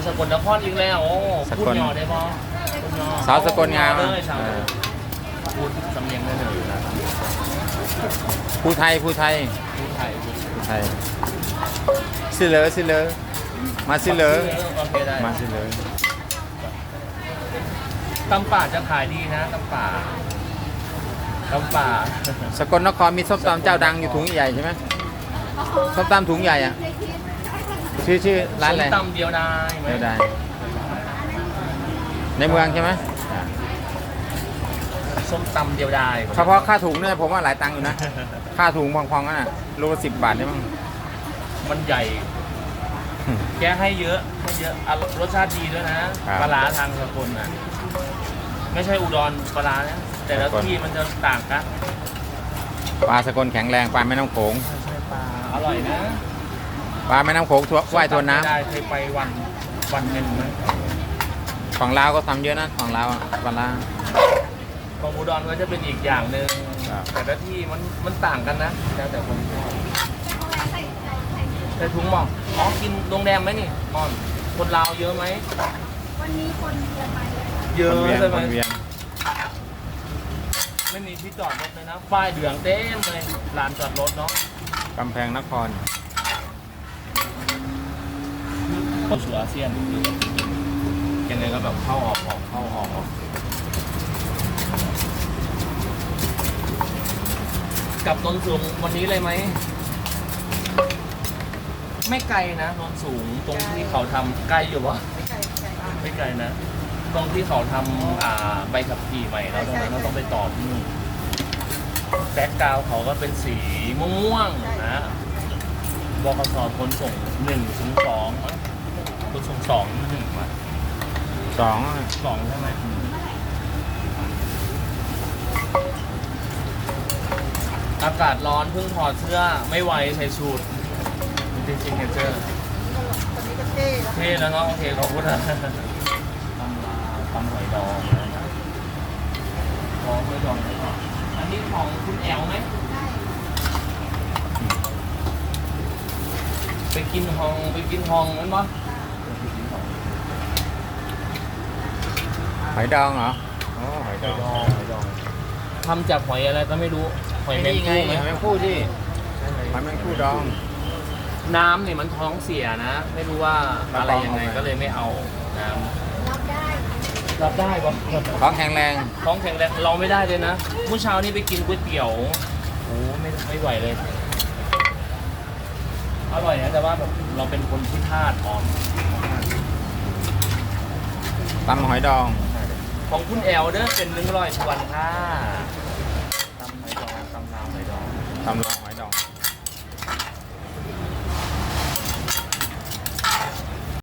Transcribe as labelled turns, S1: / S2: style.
S1: สกลนครอีกแล้วโอ้พูดย่อได้บ่พูดย่อ
S2: สาวสกลงาม
S1: เลยสาวพูดสำเนียงได้เลยนะ
S2: ผู้ไทยผู้ไทย
S1: พูดไทยพูด
S2: ผู้ไทยซิเลอซิเลอมาซิเลอ
S1: โอเคได้
S2: มาซิเลอ
S1: ตำป่าจะขายดีนะตำป่าตำป่า
S2: สกลนครมีส้มตำเจ้าดังอยู่ถุงใหญ่ใช่ไหมส้มตำถุงใหญ่อะชื่อร้านอะไร
S1: ส้มตำเดียวได้ไหม
S2: เดี๋ยวได้ในเมืองใช่ไหม
S1: ส้มตำเดียวได้
S2: เฉพาะค่าถุงเนี่ยผมว่าหลายตังค์อยู่นะ ค่าถุงพองๆนั่นน่ะโลละ10 บาทได้มั้ง
S1: มันใหญ่ แกให้เยอะให้เยอะอ่ะรสชาติดีด้วยนะปลาร้าทางสกลน่ะไม่ใช่อุดรปลาร้านะแต่ละที่มันจะต่างกัน
S2: ปลาสกลแข็งแรงปลาแม่น้ำโขง
S1: ใช่ปลาอร่อยนะ
S2: ปลาแม่น้ำโขงว่ายทวนน้
S1: ได้เคยไปวันหนึ่งไหม
S2: ำของลาวก็ทำเยอะนะของลาวอะปลาร้า
S1: ของอุดรก็จะเป็นอีกอย่างหนึ่ง
S2: ครับ
S1: แต่ละที่มันต่างกันนะแล้วแต่คนชอบใส่ถุงหมอกอ๋อกินโรงแรมไหมนี่อ่อนคนลาวเยอะไหม
S3: วันนี้คนเยอะไหม
S1: เยอะ
S2: คนเวียง
S1: ใช่ไห
S2: ค
S1: ม
S2: นเวียง
S1: ไม่มีที่จอดรถเลยนะป้ายเหลืองเต็มเลยลานจอดรถเนาะ
S2: กำแพงนคร
S1: สู่อาเซียนยังไงก็แบบเข้าออกเข้าออกกลับนนสูงวันนี้เลยไหมไม่ไกลนะนนสูงตรงที่เขาทำไกลอยู่วะ
S3: ไม่ไกลไม่ไกล
S1: ไม่ไกลนะ ตรงที่เขาทำใบขับขี่ใหม่แล้วตรงนั้นเราต้องไปต่อที่นู่นแบ็กกราวด์เขาก็เป็นสีม่วงๆนะบกสขนส่ง1-2ขนส่ง2-1มา
S2: สอง
S1: 2ใช่ไหมอากาศร้อนเพิ่งถอดเสื้อไม่ไหวใส่สูทจริงๆเจอ
S3: ตอนนี้ก็เท่แล้ว
S1: เท่แล้วเนาะโอเคขอบคุณนะตำหอยดองนะหอยดองนะครับอันนี้ของคุณแอลไหมไปกินห้องนั้นปะ
S2: หอยดองเหรออ๋อหอยดอง
S1: หอยดองทำจากหอยอะไรก็ไม่รู้หอยแมง
S2: นี่ไง
S1: คู่ไหม
S2: หอยแมงคู่ที่หอยแมงคู่ดอง
S1: น้ำเนี่ยมันท้องเสียนะ ไม่รู้ว่าอะไรยังไงก็เลยไม่เอาน้ำ
S3: รับได้
S1: รับได้ปะ
S2: ของแข็งแรง
S1: ท้องแข็งแรงเราไม่ได้เลยนะเมื่อเช้านี้ไปกินก๋วยเตี๋ยวโอ้ไม่ไหวเลย อร่อยนะแต่ว่าแบบเราเป็นคนที่ธาตุอ่อน
S2: ตำหอยดอง
S1: ของคุณแอลเด้อเป็น100 ชวนค่ะตำหอยดองตำลาวหอยดอง
S2: ตำลาว